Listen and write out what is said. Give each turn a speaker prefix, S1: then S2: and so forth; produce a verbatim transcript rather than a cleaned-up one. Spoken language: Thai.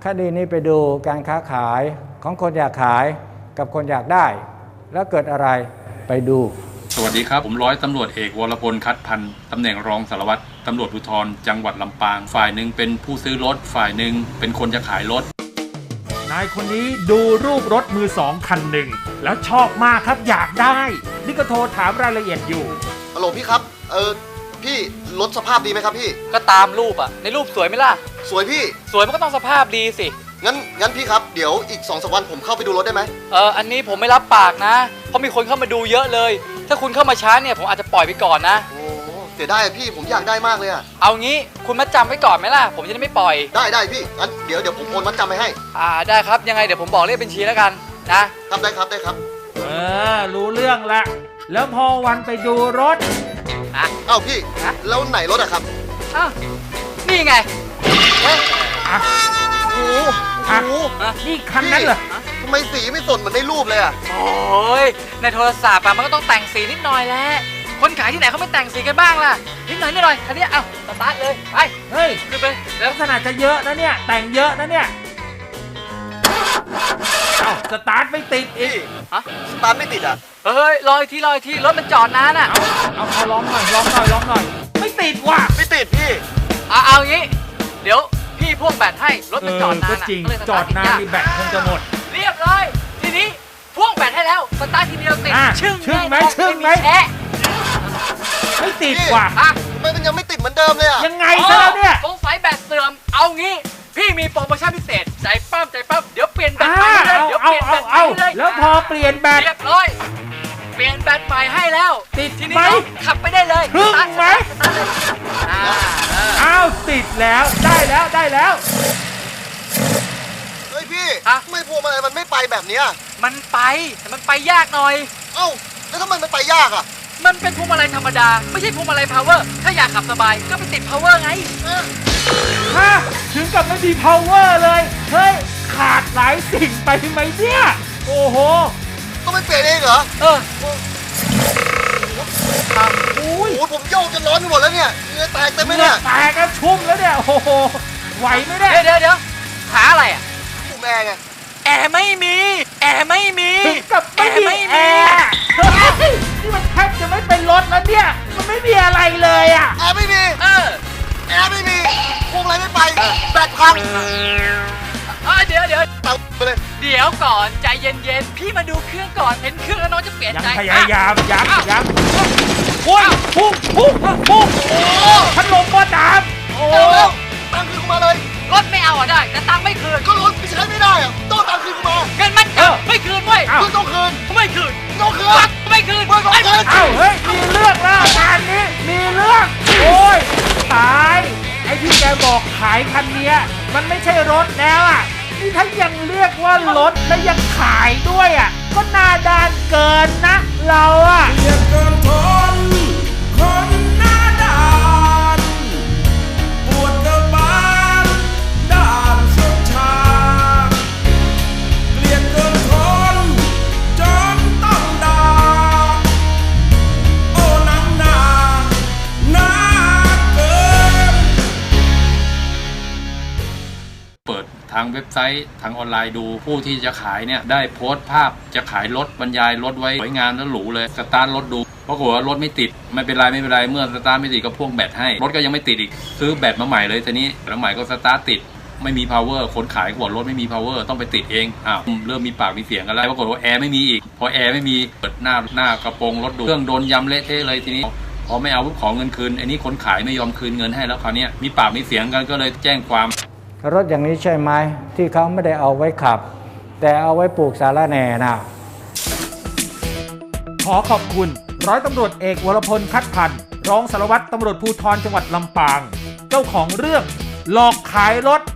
S1: คดีนี้ไปดูการค้าขายของคนอยากขายกับคนอยากได้แล้วเกิดอะไรไปดู
S2: สวัสดีครับผมร้อยตำรวจเอกวรพลคัดพันธ์ตำแหน่งรองสารวัตรตำรวจภูธรจังหวัดลำปางฝ่ายหนึ่งเป็นผู้ซื้อรถฝ่ายหนึ่งเป็นคนจะขายรถ
S3: นายคนนี้ดูรูปรถมือสองคันหนึ่งแล้วชอบมากครับอยากได้นี่ก็โทรถามรายละเอียดอยู่
S4: ฮัลโหลพี่ครับเออพี่รถสภาพดีไหมครับพี่
S5: ก็ตามรูปอะในรูปสวยไหมล่ะ
S4: สวยพี่
S5: สวยมันก็ต้องสภาพดีสิ
S4: งั้นงั้นพี่ครับเดี๋ยวอีก สองถึงสาม วันผมเข้าไปดูรถได้ไหม
S5: เอออันนี้ผมไม่รับปากนะเพราะมีคนเข้ามาดูเยอะเลยถ้าคุณเข้ามาช้าเนี่ยผมอาจจะปล่อยไปก่อนนะ
S4: โอ้เสียดายพี่ผมอยากได้มากเลยอะ
S5: เอางี้คุณมัดจำไว้ก่อนไหมล่ะผมจะได้ไม่ปล่อย
S4: ได้ได้พี่งั้นเดี๋ยวเดี๋ยวผมโอนมัดจำไปให้
S5: อ่าได้ครับยังไงเดี๋ยวผมบอกเลขบัญชีแล้วกันนะครับ
S4: ได้ครับได้ครับ
S3: เออรู้เรื่องละแล้วพอวันไปดูรถ
S5: อ่ะ
S4: เอ้าพี่แล้วไหนรถอะครับ
S5: อ้าวนี่ไง
S3: เอ๊ะอ่ะ
S4: โอ้
S3: โหนี่คันนั้นเหรอ
S4: ทำไมสีไม่สนเหมือนในรูปเลยอะ
S5: โอ้ยในโทรศัพท์มันก็ต้องแต่งสีนิดหน่อยแหละคนขายที่ไหนเขาไม่แต่งสีกันบ้างล่ะนิดหน่อยนิดหน่อยคันนี้เอ้าสตาร์ทเลยไป
S3: เฮ้ย
S5: ขึ้นไป
S3: ลักษณะจะเยอะนะเนี่ยแต่งเยอะนะเนี่ยเอ้าสตาร์ทไม่ติดอีก
S5: ฮะ
S4: สตาร์ทไม่ติดอ่ะ
S5: เฮ้ยลอยทีลอยทีรถมันจอดนานอ่ะ
S3: เอาเอาเอาลองหน่อยลองหน่อยลองหน่อยไม่ติดว่ะ
S4: ไม่ติดพี่
S5: เอาเอางี้เดี๋ยวพี่พ่วงแบตให้รถมันจอดนาน
S3: อ่ะจอดนานมีแบตคงจะหมด
S5: เรียบร้อยทีนี้พ่วงแบตให้แล้วสตาร์ททีเดียวติด
S3: ชึ่งชึ่งไหมชึ่งไหมไม่ติดว่ะ
S4: ทำไมมันยังไม่ติดเหมือนเดิมเลยอ่ะ
S3: ยังไงซะแล้วเนี่ย
S5: สงสัยแบตเสื่อมเอางี้พี่มีโปรโมชั่นพิเศษใจปั้มใจปั้มเดี๋ยวเปลี่ยนแบตใหม่เลยเดี๋ยวเปลี่ยนแบตใหม่เลย
S3: แล้วพอเปลี่ยนแบต
S5: เรียบร้อยเปลี่ยนแบตใหม่ให้แล้ว
S3: ติด
S5: ทีนี้ขับไปได้เลย
S3: ถึงไหมอ้าวติดแล้วได้แล้วได้แล้ว
S4: เฮ้ยพี่ไม่พวงมาลัยมันไม่ไปแบบนี้
S5: มันไปแต่มันไปยากหน่อย
S4: เอ้าแล้วทำไมมันไปยากอ่ะ
S5: มันเป็นพวงมาลัยธรรมดาไม่ใช่พวงมาลัยพาวเวอร์ถ้าอยากขับสบายก็ไปติดพาวเวอร์ไง
S3: ฮะถึงกับไม่มี power เลยเฮ้ยขาดหลายสิ่งไปไหมเนี่ยโอ้โห
S4: ต้องไปเปลี่ยนเองเหรอ
S5: เออ
S4: ครับโอ้ยผมโยกจนร้อนไปหมดแล้วเนี่ยเหงื่อแตกเต็มไหมเนี่ย
S3: แตกกันชุ่มแล้วเนี่ยโอ้โหไหวไหมเนี่ย
S5: เดี๋ยวเดี๋ยวหาอะไรอ่ะ
S4: ปุ่มแอร์ไง
S5: แอร์ไม่มีแอร์ไม่มี
S3: ถึงกับไม่มีแอร์นี่มันแทบจะไม่เป็นรถแล้วเนี่ยมันไม่มีอะไรเลยอ่ะ
S4: แอร์ไม่มี
S5: เออ
S4: แอร์ไม่มีพวงอะไรไม่ไปแบตพัง
S5: เดี๋ยวเดี๋ยว
S4: เอาไปเลย
S5: เดี๋ยวก่อนใจเย็นๆพี่มาดูเครื่องก่อนเห็นเครื่องแล้วน้องจะเปลี่ยนใจ
S3: พยายามยังยังพุ่งพุ่งพุ่งพุ่งโอ้พัดลมก็ดับโอ้
S4: ตังคืนมาเลย
S5: รถไม่เอาอ่ะได้แต่ตังไม่คืน
S4: ก็รถใช้ไม่ได้อ่ะต้องตังคืนมา
S5: เงินมันจับไม่คืนเว้ย
S4: คุณต้องคืน
S5: ไม่คืน
S4: ต้องคืน
S5: ไม่คืน
S4: ไม่ต้องคืน
S3: เอ้าเฮ้ยมีเรื่องแล้วงานนี้มีเรื่องโอ้ยตายไอ้ที่แกบอกขายคันนี้มันไม่ใช่รถแล้วอ่ะนี่ถ้ายังเรียกว่ารถและยังขายด้วยอ่ะก็หน้าด้านเกินนะเราอ่ะ
S6: เรียกเกินทนคนหน้าด้านปวดกระบาลด้านสุดชาเกลียดเกินทนจนต้องด่าโอ้นังนาหน้าเกิน
S2: เปิดทางเว็บไซต์ทางออนไลน์ดูผู้ที่จะขายเนี่ยได้โพสต์ภาพจะขายรถบรรยายรถไว้สวยงามและหรูเลยสตาร์ทรถดูปรากฏว่ารถไม่ติดไม่เป็นไรไม่เป็นไรเมื่อสตาร์ทไม่ติดก็พ่วงแบตให้รถก็ยังไม่ติดอีกซื้อแบตมาใหม่เลยทีนี้แล้วใหม่ก็สตาร์ทติดไม่มี power คนขายก็บอกรถไม่มี power ต้องไปติดเองอ้าวเริ่มมีปากมีเสียงกันแล้วปรากฏว่าแอร์ไม่มีอีกพอแอร์ไม่มีเปิดหน้าหน้ากระโปรงรถดูเครื่องโดนยำเละเทะเลยทีนี้พอไม่เอาปุ๊บขอเงินคืนอันนี้คนขายไม่ยอมคืนเงินให้แล้วคราวนี้มีปากมีเสียงกันก็เลยแจ้งความ
S1: รถอย่างนี้ใช่ไหมที่เขาไม่ได้เอาไว้ขับแต่เอาไว้ปลูกสาระแหน่นะ
S3: ขอขอบคุณร้อยตำรวจเอกวรพลคัดพันธ์รองสารวัตรตำรวจภูธรจังหวัดลำปางเจ้าของเรื่องหลอกขายรถ